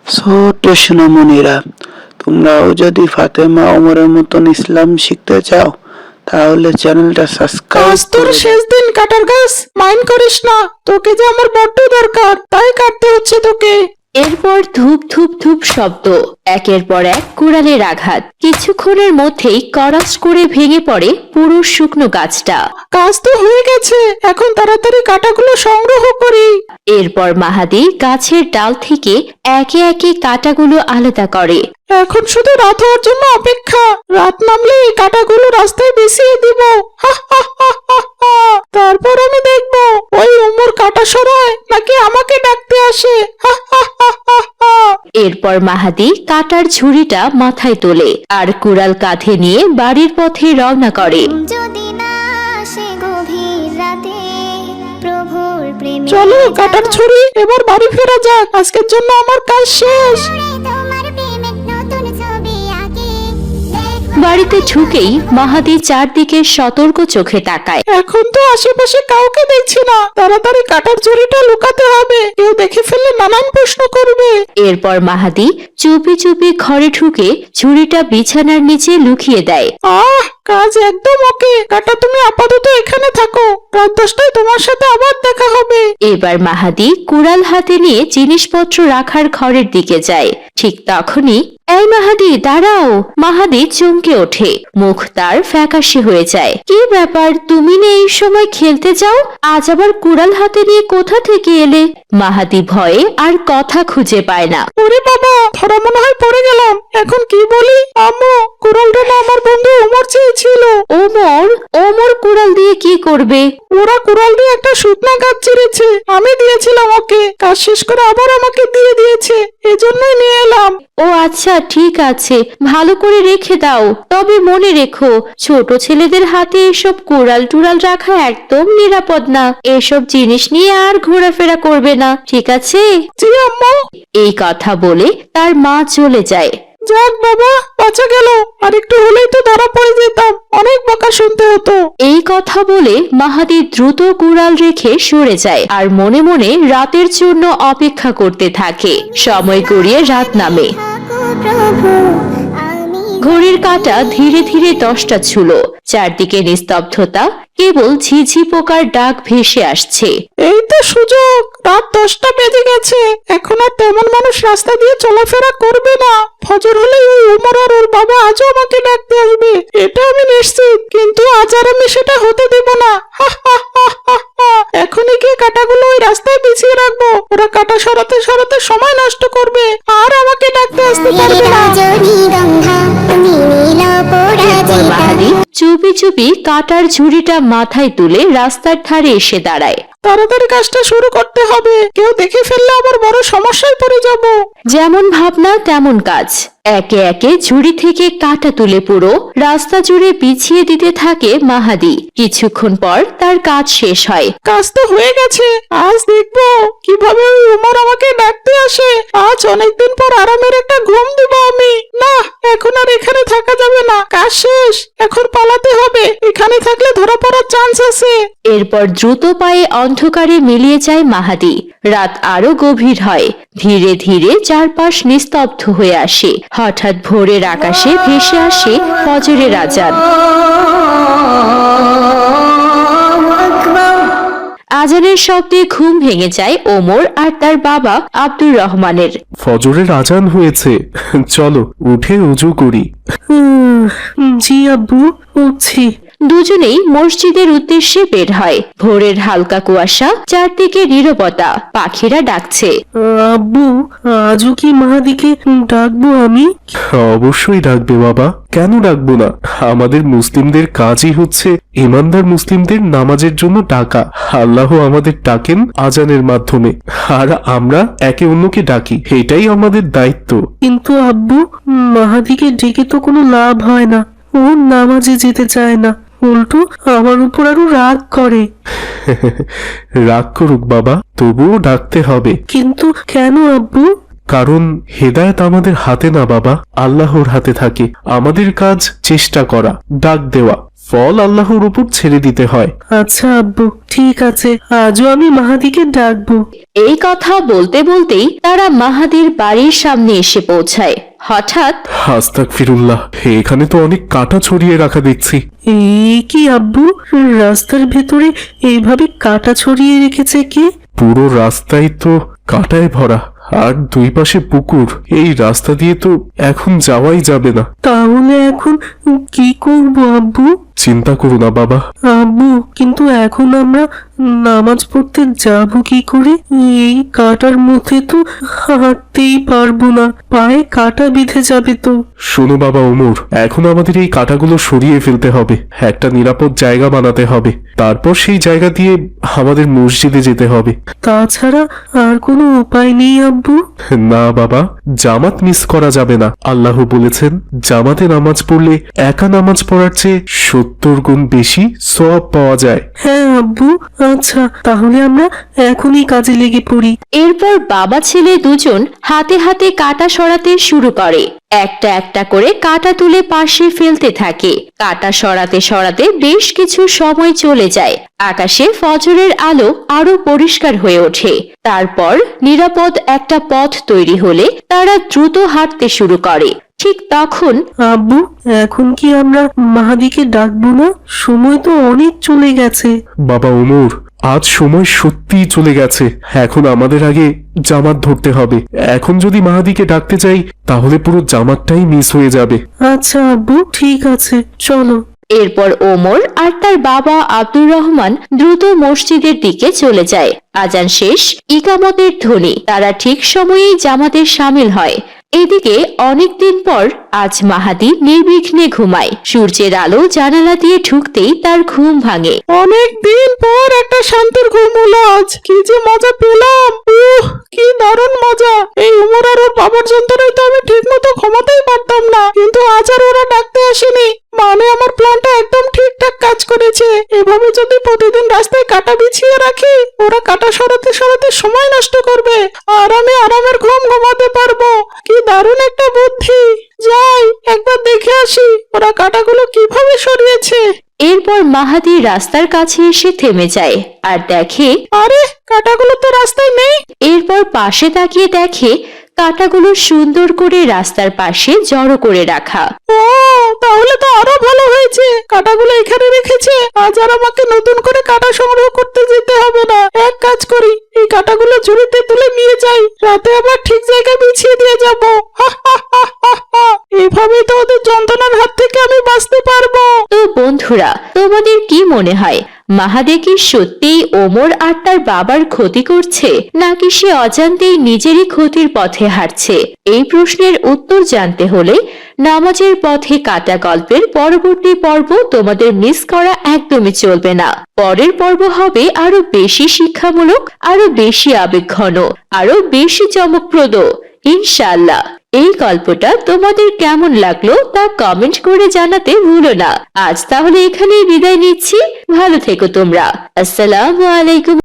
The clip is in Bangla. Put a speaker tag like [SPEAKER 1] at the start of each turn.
[SPEAKER 1] ছোট্ট সোনামণিরা, তোমরাও যদি ফাতেমা ওমরের মতন ইসলাম শিখতে চাও তাহলে চ্যানেলটা সাবস্ক্রাইব
[SPEAKER 2] আজ তোর
[SPEAKER 1] করে
[SPEAKER 2] শেষ দিন কাটার গাছ, মাইন্ড করিস না। তোকে যে আমার বড্ড দরকার, তাই কাটতে হচ্ছে তোকে।
[SPEAKER 3] এরপর ধূপ ধূপ ধূপ শব্দ, একের পর এক কুড়ালের আঘাত। কিছুক্ষণের মধ্যেই করাস করে ভেঙে পড়ে পুরো শুকনো গাছটা।
[SPEAKER 2] কাজ তো হয়ে গেছে, এখন তাড়াতাড়ি কাটাগুলো সংগ্রহ করি।
[SPEAKER 3] এরপর মাহাদি গাছের ডাল থেকে একে একে কাঁটাগুলো আলাদা করে।
[SPEAKER 2] এখন শুধু রাত হওয়ার জন্য অপেক্ষা। রাত নামলে এই কাটাগুলো রাস্তায় বিছিয়ে দিব। হা হা হা হা হা। তারপর আমি দেখবো ওই উমর কাটা সরায় নাকি আমাকে ডাকতে আসে। হা হা হা হা হা।
[SPEAKER 3] এরপর মাহাদি কাটার ঝুড়িটা মাথায় তোলে আর কুড়াল কাঁধে নিয়ে বাড়ির পথে রওনা করে।
[SPEAKER 4] যদি না আসে গভীর রাতে প্রভুর প্রেমে
[SPEAKER 2] চলো কাটার ছুরি, এবার বাড়ি ফেরা যাক। আজকের জন্য আমার কাজ শেষ।
[SPEAKER 4] তোমার প্রেমে নতুন ছবি আঁকি
[SPEAKER 3] বাড়িতে ঢুকেই মাহাদি চারদিকে সতর্ক চোখে তাকায়।
[SPEAKER 2] এখন তো আশেপাশে কাউকে দেখছি না। তাড়াতাড়ি কাটার ছুরিটা লুকাতে হবে, কেউ দেখে ফেললে নানান প্রশ্ন করবে।
[SPEAKER 3] এরপর মাহাদি চুপি চুপি ঘরে ঢুকে ঝুড়িটা বিছানার নিচে লুকিয়ে দেয়।
[SPEAKER 2] কাজ একদম ওকে। কাটা তুমি আপাতত এখানে থাকো, রাত 10টায় তোমার সাথে আবার দেখা হবে।
[SPEAKER 3] এবার মাহাদি কুড়াল হাতে নিয়ে জিনিসপত্র রাখার ঘরের দিকে যায়। ঠিক তখনই, এই মাহাদি দাঁড়াও! মাহাদি চমকে ওঠে, মুখ তার ফ্যাকাশে হয়ে যায়। কি ব্যাপার, তুমি না এই সময় খেলতে যাও, আজ আবার কুড়াল হাতে নিয়ে কোথা থেকে এলে? মাহাদি ভয়ে আর কথা খুঁজে পায় না।
[SPEAKER 2] ওরে বাবা, ধরা মনে হয় পড়ে গেলাম। এখন কি বলি? আম্মু, কুড়ালটা না আমার বন্ধু ওমর চেয়েছিল।
[SPEAKER 3] ওমর? ওমর কুড়াল দিয়ে কি করবে?
[SPEAKER 2] ওরা কুড়াল দিয়ে একটা শুকনা গাছ চিরেছে, আমি দিয়েছিলাম ওকে। কাজ শেষ করে আবার আমাকে দিয়ে দিয়েছে, এজন্যই নিয়ে এলাম।
[SPEAKER 3] ও আচ্ছা, ঠিক আছে, ভালো করে রেখে দাও। তবে মনে রেখো, ছোট ছেলেদের হাতে এসব কুড়াল টুড়াল রাখা একদম নিরাপদ না। এসব জিনিস নিয়ে আর ঘোরাফেরা করবে না, ঠিক আছে?
[SPEAKER 2] জি আম্মু।
[SPEAKER 3] এই কথা বলে তার মা চলে যায়।
[SPEAKER 2] যাক বাবা, বাঁচা গেল। আর একটু হলেই তো ধরা পড়ে যেতাম, অনেক বকা শুনতে হতো।
[SPEAKER 3] এই কথা বলে মাহাদি দ্রুত কুড়াল রেখে সরে যায় আর মনে মনে রাতের জন্য অপেক্ষা করতে থাকে। সময় গড়িয়ে রাত নামে।
[SPEAKER 4] থাকো প্রভু আমি
[SPEAKER 3] ঘড়ির কাঁটা ধীরে ধীরে 10টা ছুঁল। চারদিকে নিস্তব্ধতা, কেবল ঝিঝি পোকার ডাক ভেসে আসছে।
[SPEAKER 2] এই তো সুযোগ। রাত 10টা বেজে গেছে, এখন আর তেমন মানুষ রাস্তা দিয়ে চলাফেরা করবে না। ফজর হলে ওই উমর আর ওর বাবা আজও আমাকে ডাকতে আসবে, এটা আমি নিশ্চিত। কিন্তু আজ আর আমি সেটা হতে দেব না। হা হা হা হা হা। এখনই গিয়ে কাটাগুলো ওই রাস্তায় বিছিয়ে রাখবো। ওরা কাটা সরাতে সরাতে সময় নষ্ট করবে, আর আমাকে ডাকতে আসতে পারবে না।
[SPEAKER 4] রজনীগন্ধা তুমি নীল
[SPEAKER 3] এরপর মাহাদি চুপি চুপি কাটার ঝুড়িটা মাথায় তুলে রাস্তার ধারে এসে দাঁড়ায়।
[SPEAKER 2] তাড়াতাড়ি কাজটা শুরু করতে হবে, কেউ দেখে ফেললে আবার বড় সমস্যায় পড়ে যাব।
[SPEAKER 3] যেমন ভাবনা তেমন কাজ। একে একে ঝুড়ি থেকে কাটা তুলে পুরো রাস্তা জুড়ে বিছিয়ে দিতে থাকে মাহাদি। কিছুক্ষণ পর তার কাজ শেষ হয়।
[SPEAKER 2] কাজ তো হয়ে গেছে, আজ দেখবো কিভাবে ওই উমর আমাকে ডাকতে আসে। আজ অনেকদিন পর আরামের একটা ঘুম দিব আমি। না, এখন আর এখানে থাকা যাবে না, কাজ শেষ। এখন পালাতে হবে, এখানে থাকলে ধরা পড়ার চান্স আছে।
[SPEAKER 3] এরপর দ্রুত পায়ে অন্ধকারে মিলিয়ে যায় মাহাদি। রাত আরো গভীর হয়, ধীরে ধীরে চারপাশ নিস্তব্ধ হয়ে আসে। হঠাৎ ভোরের আকাশে ভেসে আসে ফজরের আজান। আজানের শব্দে ঘুম ভেঙে যায় ওমর আর তার বাবা আব্দুর রহমানের।
[SPEAKER 5] ফজরের আজান হয়েছে, চলো উঠে উজু করি।
[SPEAKER 2] জি আব্বু, উঠছি।
[SPEAKER 3] দুজনেই মসজিদের উদ্দেশ্যে বের হয়। ভোরের হালকা কুয়াশা, চারদিকে নীরবতা, পাখিরা ডাকছে।
[SPEAKER 2] আব্বু, আজও কি মাহাদিকে ডাকবো আমি?
[SPEAKER 5] অবশ্যই ডাকবে বাবা, কেন ডাকবো না? আমাদের মুসলিমদের কাজই হচ্ছে ইমানদার মুসলিমদের নামাজের জন্য ডাকা। আল্লাহ আমাদের ডাকেন আজানের মাধ্যমে, আর আমরা একে অন্যকে ডাকি, এটাই আমাদের দায়িত্ব।
[SPEAKER 2] কিন্তু আব্বু, মাহাদিকে ডেকে তো কোনো লাভ হয় না। ও নামাজে যেতে চায় না, উল্টো আমার উপর আরো রাগ করে।
[SPEAKER 5] রাগ করুক বাবা, তবুও ডাকতে হবে।
[SPEAKER 2] কিন্তু কেন আব্বু?
[SPEAKER 5] কারণ হেদায়েত আমাদের হাতে না বাবা, আল্লাহর হাতে থাকে। আমাদের কাজ চেষ্টা করা, ডাক দেওয়া, ফল আল্লাহর উপর ছেড়ে দিতে হয়।
[SPEAKER 2] আচ্ছা আব্বু, ঠিক আছে, আজও আমি মাহাদিকে ডাকবো।
[SPEAKER 3] এই কথা বলতে বলতেই তারা মাহাদির বাড়ির সামনে এসে পৌঁছায়। হঠাৎ
[SPEAKER 5] আস্তাগফিরুল্লাহ, এখানে তো অনেক কাঁটা ছড়িয়ে রাখা দেখছি।
[SPEAKER 2] এই কি আব্বু, রাস্তার ভেতরে এইভাবে কাটা ছড়িয়ে রেখেছে কে?
[SPEAKER 5] পুরো রাস্তায় তো কাঁটায় ভরা, আর দুই পাশে পুকুর। এই রাস্তা দিয়ে তো এখন যাওয়াই যাবে না।
[SPEAKER 2] তাহলে এখন কি করব আব্বু?
[SPEAKER 5] চিন্তা করো না বাবা।
[SPEAKER 2] আব্বু, কিন্তু এখন আমরা নামাজ পড়তে যাব কি করে? এই কাটার মধ্যে তো হাঁটতেই পারবো না, পায়ে কাটা বিঁধে যাবে তো।
[SPEAKER 5] শোনো বাবা ওমর, এখন আমাদের এই কাঁটাগুলো সরিয়ে ফেলতে হবে, একটা নিরাপদ জায়গা বানাতে হবে, তারপর সেই জায়গা দিয়ে আমাদের মসজিদে যেতে হবে।
[SPEAKER 2] তাছাড়া আর কোনো উপায় নেই আব্বু?
[SPEAKER 5] না বাবা, জামাত মিস করা যাবে না। আল্লাহ বলেছেন, জামাতে নামাজ পড়লে একা নামাজ পড়ার চেয়ে 70 গুণ বেশি সওয়াব পাওয়া যায়।
[SPEAKER 2] হ্যাঁ আব্বু, আচ্ছা তাহলে আমরা এখনই কাজে লেগে পড়ি।
[SPEAKER 3] এরপর বাবা ছেলে দুজন হাতে হাতে কাঁটা সরাতে শুরু করে। একটা একটা করে কাঁটা তুলে পাশে ফেলতে থাকে। কাঁটা সরাতে সরাতে বেশ কিছু সময় চলে যায়। আকাশে ফজরের আলো আরো পরিষ্কার হয়ে ওঠে। তারপর নিরাপদ একটা পথ তৈরি হলে তারা দ্রুত হাঁটতে শুরু করে। ঠিক তখন
[SPEAKER 2] আব্বু, এখন কি আমরা মাহাদিকে ডাকবো না? সময় তো অনেক চলে গেছে।
[SPEAKER 5] বাবা ওমর, আজ সময় সত্যিই চলে গেছে। এখন আমাদের আগে জামাত ধরতে হবে। এখন যদি মাহাদিকে ডাকতে চাই তাহলে পুরো জামাতটাই মিস হয়ে যাবে।
[SPEAKER 2] আচ্ছা আব্বু, ঠিক আছে, চলো।
[SPEAKER 3] এরপর ওমর আর তার বাবা আব্দুর রহমান দ্রুত মসজিদের দিকে চলে যায়। আজান শেষ, ইকামতের ধ্বনি, তারা ঠিক সময়েই জামাতে শামিল হয়। এদিকে অনেকদিন পর আজ মাহাদি নির্বিঘ্নে ঘুমায়। সূর্যের আলো জানালা দিয়ে ঢুকতেই তার ঘুম ভাঙে।
[SPEAKER 2] অনেক দিন পর একটা শান্তির ঘুম হলো আজ। কি যে মজা পেলাম, কি দারুণ মজা। এই উমর আর ওর বাবার যন্ত্রণায় তো আমি ঠিক মতো ঘুমাতেই পারতাম না, কিন্তু আজ আর ওরা ডাকতে আসেনি। মানে আমার প্ল্যানটা একদম ঠিকঠাক কাজ করেছে। এভাবে যদি প্রতিদিন রাস্তায় কাটা বিছিয়ে রাখি, ওরা কাটা সরাতে সরাতে সময় নষ্ট করবে, আর আমি আরামের ঘুম ঘুমাতে পারবো। কি দারুণ একটা বুদ্ধি। যাই, একবার দেখে আসি ওরা কাটাগুলো কিভাবে সরিয়েছে।
[SPEAKER 3] এরপর মাহাদি রাস্তার কাছে এসে থেমে যায় আর দেখে
[SPEAKER 2] আরে, কাটাগুলো তো রাস্তায় নেই।
[SPEAKER 3] এরপর পাশে তাকিয়ে দেখে কাঁটাগুলো সুন্দর করে রাস্তার পাশে জড়ো করে রাখা।
[SPEAKER 2] ও, তাহলে তো আরো ভালো হয়েছে, কাটাগুলো এখানে রেখেছে। আজ আর আমাকে নতুন করে কাটা সংগ্রহ করতে যেতে হবে না। এক কাজ করি, এই কাটাগুলো ঝুড়িতে তুলে নিয়ে যাই, রাতে আবার ঠিক জায়গায় বিছিয়ে দিয়ে যাব। এইভাবেই তো ওদের যন্ত্রণার হাত থেকে আমি বাঁচতে পারবো।
[SPEAKER 3] তো বন্ধুরা, তোমাদের কি মনে হয়, মাহাদি কি সত্যিই ওমর আর তার বাবার ক্ষতি করছে, নাকি সে অজান্তেই নিজেরই ক্ষতির পথে হাঁটছে? এই প্রশ্নের উত্তর জানতে হলে নামাজের পথে কাটা গল্পের পরবর্তী পর্ব তোমাদের মিস করা একদমই চলবে না। পরের পর্ব হবে আরো বেশি শিক্ষামূলক, আরো বেশি আবেগঘন, আরো বেশি চমকপ্রদ, ইনশাআল্লাহ। এই গল্পটা তোমাদের কেমন লাগলো তা কমেন্ট করে জানাতে ভুলো না। আজ তাহলে এখানেই বিদায় নিচ্ছি। ভালো থেকো তোমরা। আসসালামু আলাইকুম।